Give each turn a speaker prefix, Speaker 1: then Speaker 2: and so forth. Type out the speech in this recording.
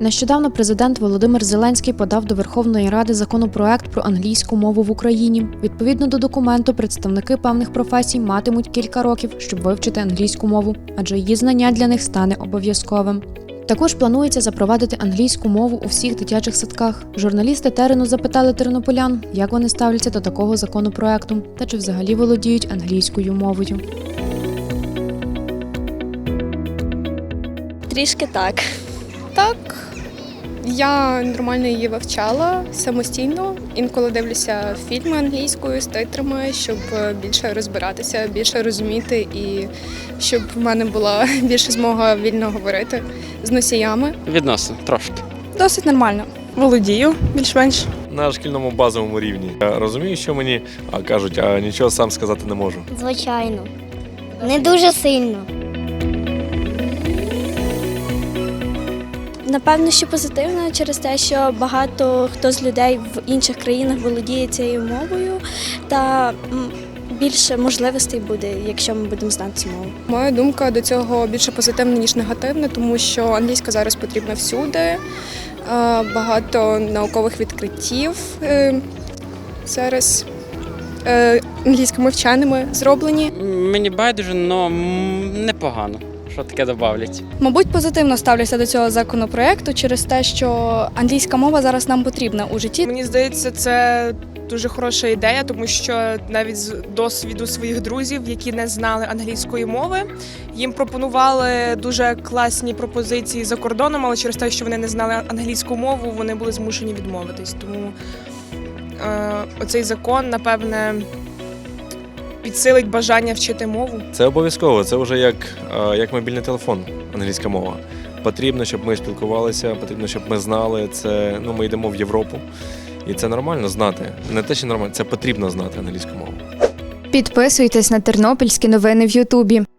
Speaker 1: Нещодавно президент Володимир Зеленський подав до Верховної Ради законопроект про англійську мову в Україні. Відповідно до документу, представники певних професій матимуть кілька років, щоб вивчити англійську мову, адже її знання для них стане обов'язковим. Також планується запровадити англійську мову у всіх дитячих садках. Журналісти терену запитали тернополян, як вони ставляться до такого законопроекту та чи взагалі володіють англійською мовою.
Speaker 2: Трішки так.
Speaker 3: Так, я нормально її вивчала самостійно. Інколи дивлюся фільми англійською з титрами, щоб більше розбиратися, більше розуміти і щоб в мене була більше змога вільно говорити з носіями.
Speaker 4: Відносно, трошки.
Speaker 2: Досить нормально.
Speaker 5: Володію, більш-менш.
Speaker 6: На шкільному базовому рівні. Я розумію, що мені кажуть, а нічого сам сказати не можу.
Speaker 7: Звичайно. Не дуже сильно.
Speaker 2: Напевно, що позитивно через те, що багато хто з людей в інших країнах володіє цією мовою та більше можливостей буде, якщо ми будемо знати цю мову.
Speaker 3: Моя думка до цього більше позитивна, ніж негативна, тому що англійська зараз потрібна всюди. Багато наукових відкриттів зараз англійськими вченими зроблені.
Speaker 4: Мені байдуже, але непогано. Що таке добавлять?
Speaker 8: Мабуть, позитивно ставлюся до цього законопроекту через те, що англійська мова зараз нам потрібна у житті.
Speaker 5: Мені здається, це дуже хороша ідея, тому що навіть з досвіду своїх друзів, які не знали англійської мови, їм пропонували дуже класні пропозиції за кордоном, але через те, що вони не знали англійську мову, вони були змушені відмовитись. Тому оцей закон, напевне, підсилить бажання вчити мову.
Speaker 6: Це обов'язково, це вже як мобільний телефон, англійська мова. Потрібно, щоб ми спілкувалися, потрібно, щоб ми знали. Це, ми йдемо в Європу, і це нормально знати. Не те, що нормально, це потрібно знати англійську мову.
Speaker 9: Підписуйтесь на тернопільські новини в Ютубі.